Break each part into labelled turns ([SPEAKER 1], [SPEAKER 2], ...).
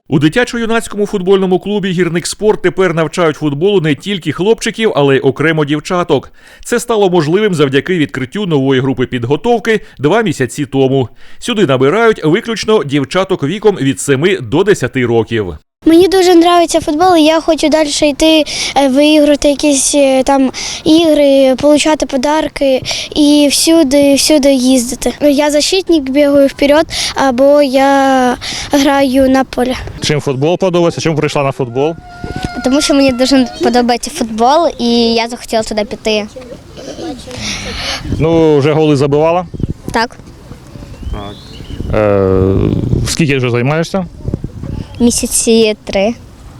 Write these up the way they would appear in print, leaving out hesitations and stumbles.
[SPEAKER 1] У дитячо-юнацькому футбольному клубі «Гірник Спорт» тепер навчають футболу не тільки хлопчиків, але й окремо дівчаток. Це стало можливим завдяки відкриттю нової групи підготовки 2 місяці тому. Сюди набирають виключно дівчаток віком від 7 до 10 років.
[SPEAKER 2] Мені дуже подобається футбол, і я хочу далі йти, виіграти якісь там ігри, отримати подарки і всюди їздити. Я защитник, бігаю вперед, або я граю на полі.
[SPEAKER 3] Чим футбол подобається? Чим прийшла на футбол?
[SPEAKER 2] Тому що мені дуже подобається футбол, і я захотіла туди піти.
[SPEAKER 3] Ну, вже голи забивала?
[SPEAKER 2] Так.
[SPEAKER 3] Скільки вже займаєшся?
[SPEAKER 2] Місяці 3.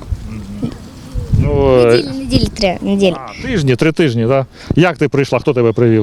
[SPEAKER 3] Ну,
[SPEAKER 2] Неділі 3. Неділі.
[SPEAKER 3] Тижні, 3 тижні, так? Як ти прийшла? Хто тебе привів?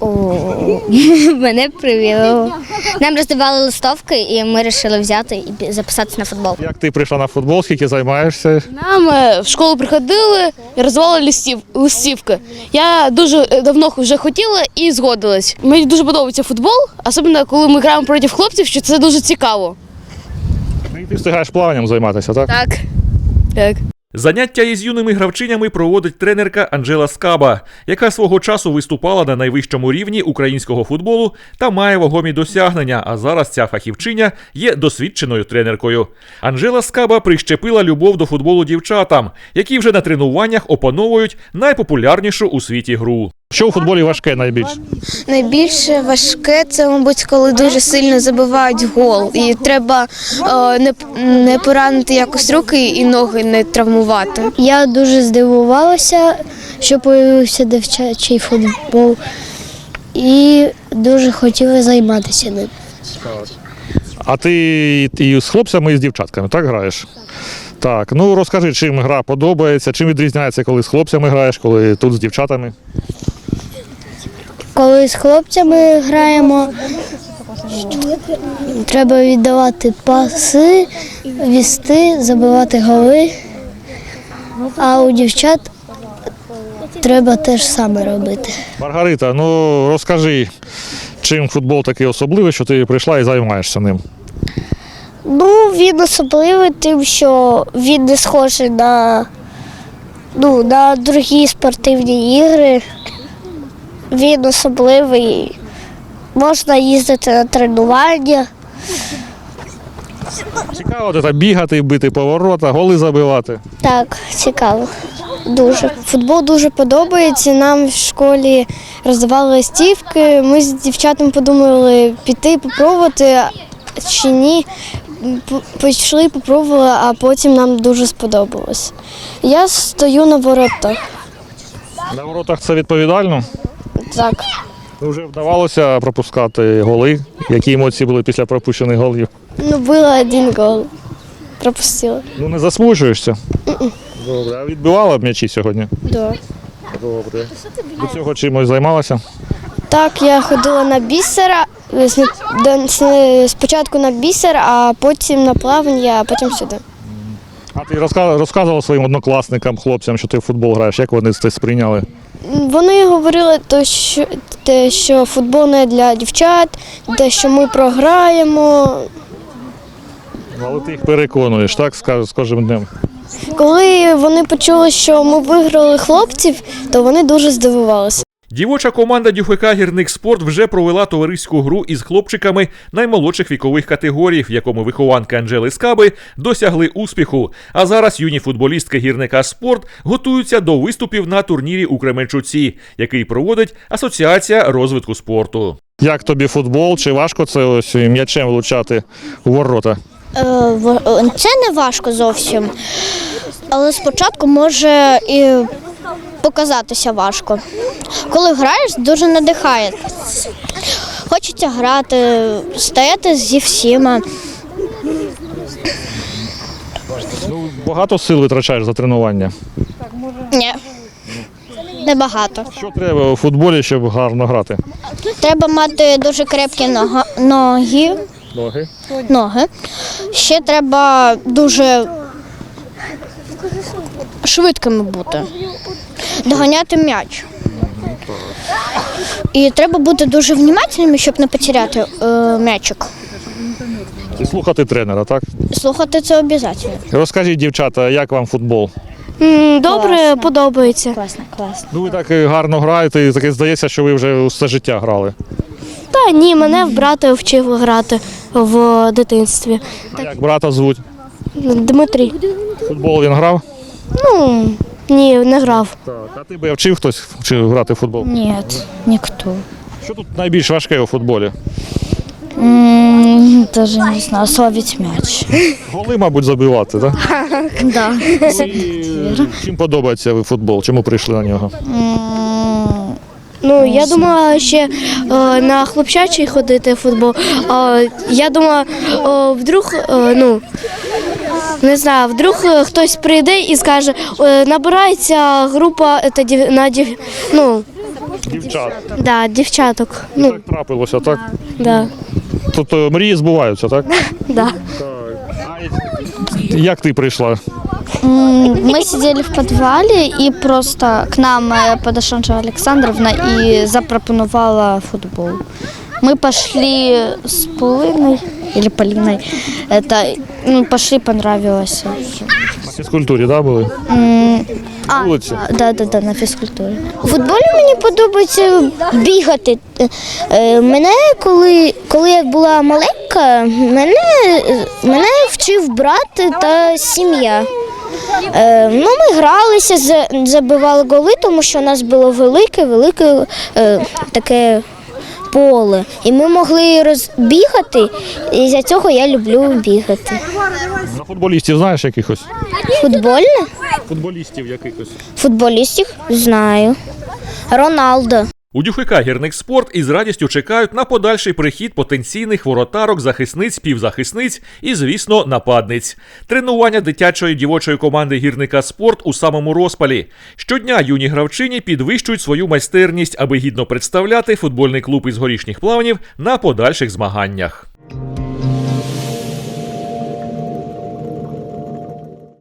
[SPEAKER 2] Мене привіло. Нам роздавали листовки, і ми вирішили взяти і записатися на футбол.
[SPEAKER 3] Як ти прийшла на футбол? Скільки займаєшся?
[SPEAKER 4] Нам в школу приходили і роздавали листівки. Я дуже давно вже хотіла і згодилась. Мені дуже подобається футбол, особливо коли ми граємо проти хлопців, що це дуже цікаво.
[SPEAKER 3] Ти встигаєш плаванням займатися, так?
[SPEAKER 4] Так.
[SPEAKER 1] Заняття із юними гравчинями проводить тренерка Анджела Скаба, яка свого часу виступала на найвищому рівні українського футболу та має вагомі досягнення, а зараз ця фахівчиня є досвідченою тренеркою. Анджела Скаба прищепила любов до футболу дівчатам, які вже на тренуваннях опановують найпопулярнішу у світі гру.
[SPEAKER 3] Що у футболі важке найбільше?
[SPEAKER 2] Найбільше важке – це, мабуть, коли дуже сильно забивають гол. І треба не поранити якось руки і ноги не травмувати. Я дуже здивувалася, що з'явився дівчачий футбол. І дуже хотіла займатися ним.
[SPEAKER 3] А ти і з хлопцями, і з дівчатками, так граєш? Так, ну розкажи, чим гра подобається, чим відрізняється, коли з хлопцями граєш, коли тут з дівчатами?
[SPEAKER 2] Коли з хлопцями граємо, треба віддавати паси, вести, забивати голи, а у дівчат треба те ж саме робити.
[SPEAKER 3] Маргарита, ну розкажи, чим футбол такий особливий, що ти прийшла і займаєшся ним?
[SPEAKER 2] Ну, він особливий тим, що він не схожий на другі спортивні ігри. Він особливий, можна їздити на тренування.
[SPEAKER 3] Цікаво це бігати, бити поворота, голи забивати.
[SPEAKER 2] Так, цікаво. Дуже. Футбол дуже подобається. Нам в школі роздавали листівки. Ми з дівчатами подумали піти, попробувати чи ні. Пішли, попробували, а потім нам дуже сподобалось. Я стою на воротах.
[SPEAKER 3] На воротах це відповідально?
[SPEAKER 2] Так.
[SPEAKER 3] Вже вдавалося пропускати голи? Які емоції були після пропущених голів?
[SPEAKER 2] Ну, було 1 гол. Пропустила.
[SPEAKER 3] Ну не засмучуєшся? Добре. А відбивала б м'ячі сьогодні?
[SPEAKER 2] Да.
[SPEAKER 3] Добре. До цього чимось займалася?
[SPEAKER 2] Так, я ходила на бісера. Спочатку на бісер, а потім на плавання, а потім сюди.
[SPEAKER 3] А ти розказувала своїм однокласникам, хлопцям, що ти в футбол граєш, як вони це сприйняли?
[SPEAKER 2] Вони говорили, що футбол не для дівчат, що ми програємо.
[SPEAKER 3] Але ти їх переконуєш, так, з кожним днем?
[SPEAKER 2] Коли вони почули, що ми виграли хлопців, то вони дуже здивувалися.
[SPEAKER 1] Дівоча команда ДЮФК «Гірник Спорт» вже провела товариську гру із хлопчиками наймолодших вікових категорій, в якому вихованки Анджели Скаби досягли успіху. А зараз юні футболістки «Гірника Спорт» готуються до виступів на турнірі у Кременчуці, який проводить Асоціація розвитку спорту.
[SPEAKER 3] Як тобі футбол? Чи важко це ось м'ячем влучати у ворота?
[SPEAKER 2] Це не важко зовсім, але спочатку може і показатися важко. Коли граєш, дуже надихає. Хочеться грати, стояти зі всіма.
[SPEAKER 3] Ну, багато сил витрачаєш за тренування?
[SPEAKER 2] Ні, небагато.
[SPEAKER 3] Що треба у футболі, щоб гарно грати?
[SPEAKER 2] Треба мати дуже крепкі ноги. Ще треба дуже швидкими бути, доганяти м'яч. І треба бути дуже внимательними, щоб не потеряти м'ячик.
[SPEAKER 3] І слухати тренера, так?
[SPEAKER 2] Слухати це обов'язково.
[SPEAKER 3] Розкажіть, дівчата, як вам футбол?
[SPEAKER 4] Добре, подобається.
[SPEAKER 2] Класно.
[SPEAKER 3] Ну ви так гарно граєте, і таке здається, що ви вже все життя грали.
[SPEAKER 4] Та ні, мене брат вчив грати в дитинстві.
[SPEAKER 3] А як брата звуть?
[SPEAKER 4] Дмитрій.
[SPEAKER 3] Футбол він грав?
[SPEAKER 4] Ну, ні, не грав.
[SPEAKER 3] Так. А ти би вчив хтось грати в футбол?
[SPEAKER 2] Нет, никто.
[SPEAKER 3] Що тут найбільш важке у футболі?
[SPEAKER 2] Даже не знаю, словить мяч.
[SPEAKER 3] Голи, мабуть, забивати, так?
[SPEAKER 2] Да.
[SPEAKER 3] Чим подобається ви футбол? Чому прийшли на нього?
[SPEAKER 4] Ну, я думала ще на хлопчачий ходити в футбол. Я думала, вдруг, не знаю, вдруг хтось прийде і скаже, набирається група
[SPEAKER 3] Дівчат.
[SPEAKER 4] дівчаток.
[SPEAKER 3] Так трапилося, так?
[SPEAKER 4] Да.
[SPEAKER 3] Тобто мрії збуваються, так?
[SPEAKER 4] Да.
[SPEAKER 3] Як ти прийшла?
[SPEAKER 2] Мы сидели в подвале, и просто к нам подошла Анжела Александровна и запропоновала футбол. Мы пошли с Полиной, или Полиной, пошли, понравилось.
[SPEAKER 3] На фізкультурі, так, були? Вулиці?
[SPEAKER 2] Да, на фізкультурі. У футболі мені подобається бігати. Мене, коли я була маленька, мене вчив брат та сім'я. Ми гралися, забивали голи, тому що у нас було велике таке поле. І ми могли розбігати, і за цього я люблю бігати.
[SPEAKER 3] На футболістів знаєш якихось?
[SPEAKER 2] Футбольне?
[SPEAKER 3] Футболістів якихось.
[SPEAKER 2] Футболістів знаю. Роналдо.
[SPEAKER 1] У ДЮХК «Гірникспорт» із радістю чекають на подальший прихід потенційних воротарок, захисниць, півзахисниць і, звісно, нападниць. Тренування дитячої дівочої команди «Гірника Спорт» у самому розпалі. Щодня юні гравчині підвищують свою майстерність, аби гідно представляти футбольний клуб із Горішніх Плавнів на подальших змаганнях.